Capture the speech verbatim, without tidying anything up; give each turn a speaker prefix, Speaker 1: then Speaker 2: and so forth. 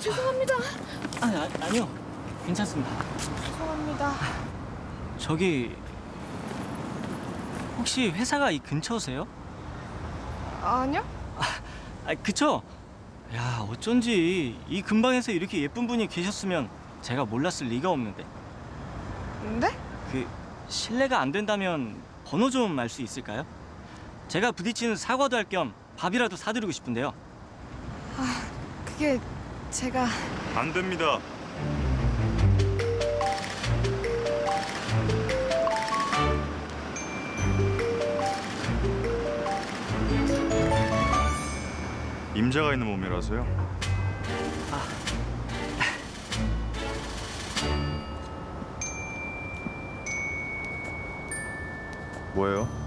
Speaker 1: 죄송합니다.
Speaker 2: 아, 아 아니요. 괜찮습니다.
Speaker 1: 죄송합니다.
Speaker 2: 저기 혹시 회사가 이 근처세요?
Speaker 1: 아니요?
Speaker 2: 아, 그쵸? 야, 어쩐지 이 근방에서 이렇게 예쁜 분이 계셨으면 제가 몰랐을 리가 없는데.
Speaker 1: 네?
Speaker 2: 그 실례가 안 된다면 번호 좀 알 수 있을까요? 제가 부딪히는 사과도 할 겸 밥이라도 사드리고 싶은데요.
Speaker 1: 아, 그게 제가...
Speaker 3: 안 됩니다. 임자가 있는 몸이라서요.
Speaker 2: 아.
Speaker 3: 뭐예요?